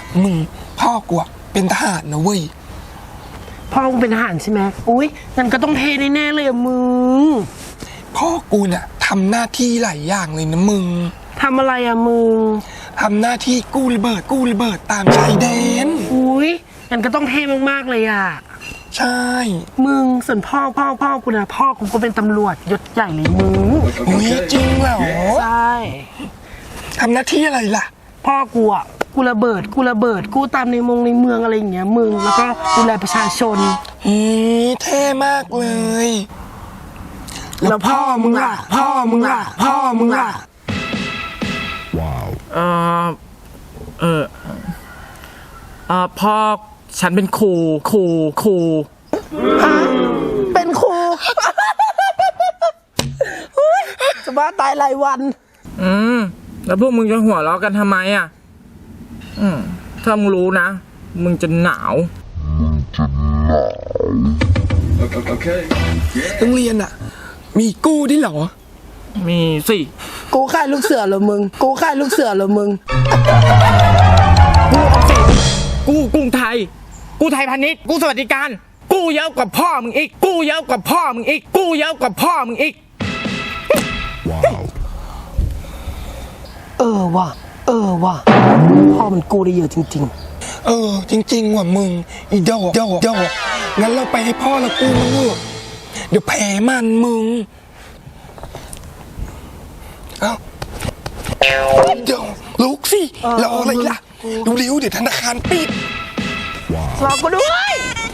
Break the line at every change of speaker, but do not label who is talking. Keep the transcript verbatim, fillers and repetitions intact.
มึงพ่อกูเป็นทหารนะเว้ย
พ่อกูเป็นทหารใช่ไหมอุ้ยงั้นก็ต้องเทแน่ๆเลยอะมึง
พ่อกูเนี่ยทำหน้าที่หลายอย่างเลยนะมึง
ทำอะไรอะมึง
ทำหน้าที่กู้ระเบิดกู้ระเบิดตามชายแดน
อุ้ยงั้นก็ต้องเท่มากๆเลยอะ
ใช่
มึงส่วนพ่อพ่อพ่อกูนะพ่อกูก็เป็นตำรวจยศใหญ่เลยมึง
อุ้ยจริงเหรอ
ใช่
ทำหน้าที่อะไรล่ะ
พ่อกูอ่ะกูระเบิดกูระเบิดกูตามในมงในเมืองอะไรอย่างเงี้ยมึงแล้วก็ดูแลประชาชน
อืมเท่มากเลย
แล้วพ่อมึงล่ะพ่อมึงล่ะพ่อมึงล่ะ
ว้าวเออเออเออพ่อฉันเป็นครูครูครู
ฮะเป็นครูจะบ้าตายรายวัน
อืมแล้วพวกมึงจะหัวเราะกันทำไมอ่ะอืมถ้ามึงรู้นะมึงจะหนาวมึงจะหนาว
โอเคโรงเรียนอ่ะมีกู้ด้วยเหรอ
มีสิ
กูค่ายลูกเสือเหรอมึงกูค่ายลูกเสือเหรอมึง
กูออมสินกูกรุงไทยกูไทยพาณิชย์กูสวัสดิการกูเยอะกว่าพ่อมึงอีกกูเยอะกว่าพ่อมึงอีกกูเยอะกว่าพ่อมึงอีก
ว้าวเออว่ะเออว่ะพ่อมันกู้ได้เยอะจริง
ๆเออจริงๆว่ะมึงอีโดโดโดงั้นเราไปให้พ่อเรากู้มันเถอะเดี๋ยวแพ้มันมึงเอ้าเดี๋ยวลุกสิรออะไรล่ะเร็วๆเดี๋ยวธนาคารปิด
รอกูด้วย